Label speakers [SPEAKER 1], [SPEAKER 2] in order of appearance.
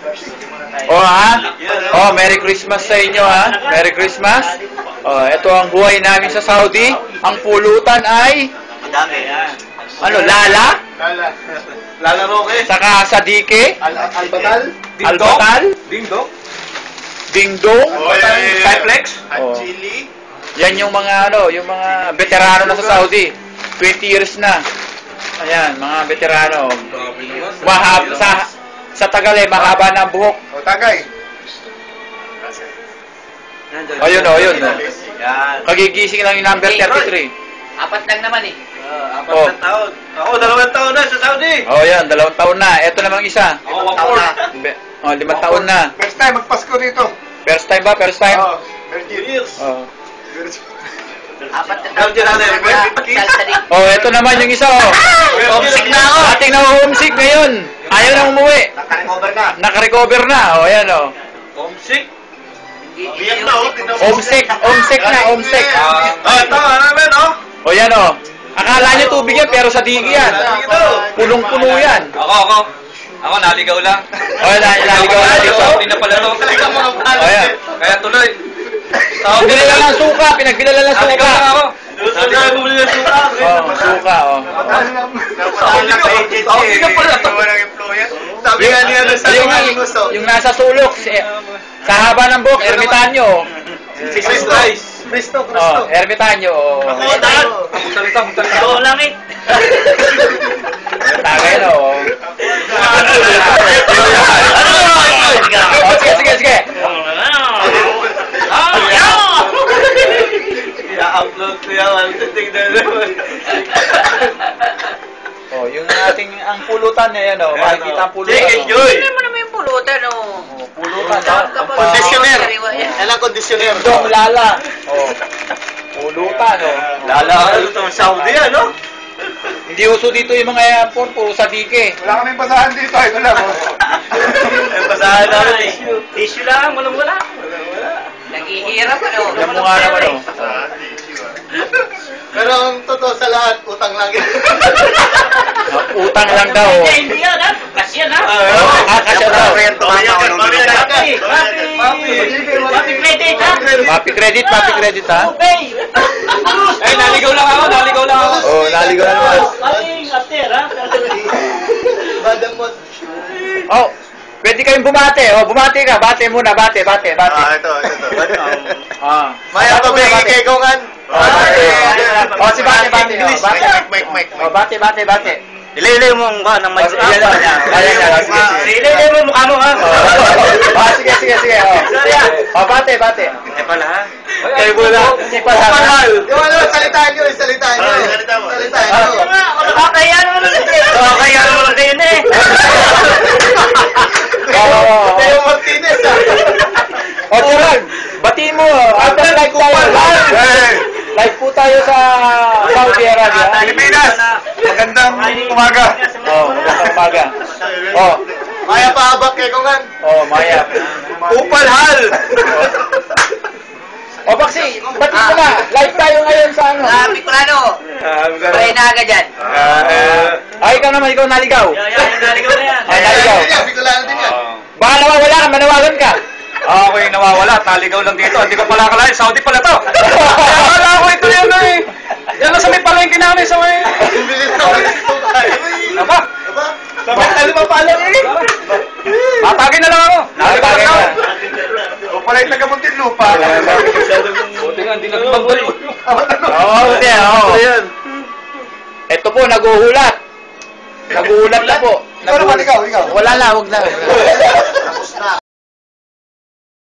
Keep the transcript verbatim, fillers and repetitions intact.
[SPEAKER 1] Oh ha? Oh, Merry Christmas sa inyo ha. Merry Christmas. Oh, ito ang buhay namin sa Saudi. Ang pulutan ay
[SPEAKER 2] Madami.
[SPEAKER 1] ano, lala?
[SPEAKER 2] Lala. Lala Roque.
[SPEAKER 1] Saka sadike?
[SPEAKER 2] Albatal.
[SPEAKER 1] Albatal?
[SPEAKER 2] Dingdong.
[SPEAKER 1] Dingdong?
[SPEAKER 2] Cyplex.
[SPEAKER 1] Oh.
[SPEAKER 2] Chili.
[SPEAKER 1] Yan yung mga ano, yung mga veterano na sa Saudi. twenty years na. Ayan, mga veterano. Mahab sa sa Tagal eh, mahaba na ang buhok.
[SPEAKER 2] O, Tagay.
[SPEAKER 1] Ayun oh, ayun oh.
[SPEAKER 2] Yan.
[SPEAKER 1] Kagigising lang yung number thirty-three.
[SPEAKER 3] Apat lang naman eh.
[SPEAKER 2] Ah, apat
[SPEAKER 1] Oh.
[SPEAKER 2] na taon. Ako, dalawang taon na sa Saudi.
[SPEAKER 1] Oh, yan, dalawang taon na. Ito namang isa.
[SPEAKER 2] Ako, taon na.
[SPEAKER 1] Oh, limang taon na.
[SPEAKER 2] First time magpasko dito.
[SPEAKER 1] First time ba? First time?
[SPEAKER 2] Oo. thirty years.
[SPEAKER 1] Oh.
[SPEAKER 3] Apat na
[SPEAKER 2] Down dyan natin.
[SPEAKER 1] Oh, ito naman yung isa oh.
[SPEAKER 2] Homesick na ako.
[SPEAKER 1] Ating na homesick ngayon. Ayaw na umuwi.
[SPEAKER 2] Naka-recover na.
[SPEAKER 1] Naka-recover na. Oh, ayan oh.
[SPEAKER 2] Homesick? Biyak na, oh.
[SPEAKER 1] Homesick, homesick na, homesick.
[SPEAKER 2] Ah, ito, ano naman, oh.
[SPEAKER 1] Oh, yan oh. Akala nyo tubig yan, pero sa digi yan. Punong-puno yan.
[SPEAKER 4] Ako, ako. Ako, naligaw lang.
[SPEAKER 1] Oh, naligaw na dito.
[SPEAKER 4] Hindi na pala to.
[SPEAKER 1] Oh, yan.
[SPEAKER 4] Kaya tuloy.
[SPEAKER 1] Pinagbilala ng suka, pinagbilala ng
[SPEAKER 4] Naligaw
[SPEAKER 1] suka.
[SPEAKER 4] lang ako.
[SPEAKER 2] Naligaw na bumili ng suka.
[SPEAKER 1] Oh, suka oh.
[SPEAKER 2] Sabi na agency. Sabi na pala ito. Sabi nga niya doon sa
[SPEAKER 1] Yung,
[SPEAKER 2] mga gusto.
[SPEAKER 1] yung nasa sulok, si, sa haba ng buhok, ermitanyo.
[SPEAKER 2] Si Cristo. Cristo,
[SPEAKER 1] Oh, ermitanyo. Oh.
[SPEAKER 2] Ako, dahil.
[SPEAKER 4] Magsalita, magsalita.
[SPEAKER 3] Oo lang eh.
[SPEAKER 1] Tagay na oh. Oh, sige, sige, sige.
[SPEAKER 2] I-upload ko yan. Tignan naman.
[SPEAKER 1] Oh, yung ating ang pulutan na yan oh. Makikita ang pulutan.
[SPEAKER 2] Sige,
[SPEAKER 1] oh.
[SPEAKER 2] enjoy.
[SPEAKER 3] Hindi mo naman yung pulutan oh.
[SPEAKER 1] Oh, pulutan oh. Ang pa-
[SPEAKER 2] Conditioner. Yan ang conditioner.
[SPEAKER 1] Dong lala. Oh. Pulutan oh.
[SPEAKER 2] Lala ka ito sa Saudi, ano?
[SPEAKER 1] Hindi uso dito yung mga airport, puro sa dike.
[SPEAKER 2] Wala kaming basahan dito. Ito lang. May basahan namin eh.
[SPEAKER 3] Tissue lang, walang wala. Naghihirap ano.
[SPEAKER 1] Yan mo nga naman oh.
[SPEAKER 2] Pero ang totoo sa lahat, utang lang yan.
[SPEAKER 1] Utang lang daw oh.
[SPEAKER 3] Hindi, hindi yan ha. Kasi yan ha.
[SPEAKER 1] Ah, kasi daw.
[SPEAKER 3] Papi, papi, papi credit ha.
[SPEAKER 1] Papi credit, papi credit ha.
[SPEAKER 3] Okay.
[SPEAKER 4] Eh, naligaw lang ako, naligaw lang ako.
[SPEAKER 1] Oh, naligaw na naman.
[SPEAKER 3] Papi, after ha.
[SPEAKER 2] Badamot.
[SPEAKER 1] Oh, pwede kayong bumate. Oh, bumate ka. Bate muna, bate, bate, bate.
[SPEAKER 2] Ah, ito, ito.
[SPEAKER 1] Ah.
[SPEAKER 2] Maya pa ba kay Kongan?
[SPEAKER 1] Oh, bate. Oh, si bate, bate. Oh,
[SPEAKER 2] English.
[SPEAKER 1] bate.
[SPEAKER 2] Mike, Mike,
[SPEAKER 1] Oh, bate, bate, bate.
[SPEAKER 2] Ilay-ilay mo ang mukha ng
[SPEAKER 1] Oh, ayan na. Ayan na. Sige, sige.
[SPEAKER 2] Ilay-ilay mo mukha mo, ha?
[SPEAKER 1] Oh, sige, sige, sige. Oh, oh bate, bate.
[SPEAKER 2] Eh pala, ha?
[SPEAKER 1] Kayo muna. Si Pasal.
[SPEAKER 2] Yung ano, salitaan nyo, salitaan nyo. Salitaan mo. Salitaan nyo.
[SPEAKER 3] Kaya naman
[SPEAKER 2] Oo, kaya naman kayo na eh.
[SPEAKER 1] Oh,
[SPEAKER 2] Tayo Martinez, ha?
[SPEAKER 1] oh, Gerald. Batiin mo. After like tayo. Live po tayo sa Saudi Arabia.
[SPEAKER 2] Pilipinas! Magandang umaga.
[SPEAKER 1] Oh, magandang umaga. Oh,
[SPEAKER 2] Maya pahabak kay Kongan.
[SPEAKER 1] oh, Maya.
[SPEAKER 2] Upal hal!
[SPEAKER 1] O, Baxi, ba't mo na? Live tayo ngayon sa ano?
[SPEAKER 3] Ah, Bicolano. Pray na agad yan.
[SPEAKER 1] Ay, ikaw naman, ikaw naligaw.
[SPEAKER 3] Yan, yan, naligaw na yan.
[SPEAKER 1] Ay, naligaw.
[SPEAKER 2] Bicolano din yan.
[SPEAKER 1] Baka nawawala ka, manawagan ka.
[SPEAKER 4] Ako yung nawawala, naligaw lang dito. Hindi ko pala akalain, Saudi pala to. Akala ko ito yan na eh. Yan lang sa may palengke namin sa may...
[SPEAKER 2] Bilis na bilis po tayo.
[SPEAKER 4] Aba,
[SPEAKER 2] Aba? Sabay tayo mapala eh.
[SPEAKER 4] tatagin na lang ako.
[SPEAKER 1] Naligaw ka.
[SPEAKER 2] O pala yung taga-muntin lupa.
[SPEAKER 4] Buti nga, hindi nagpagbalik.
[SPEAKER 1] Oo, hindi, oo. Ito po, naguhulat. Naguhulat na po.
[SPEAKER 2] Ikaw naman, ikaw, ikaw.
[SPEAKER 1] Wala na, huwag na.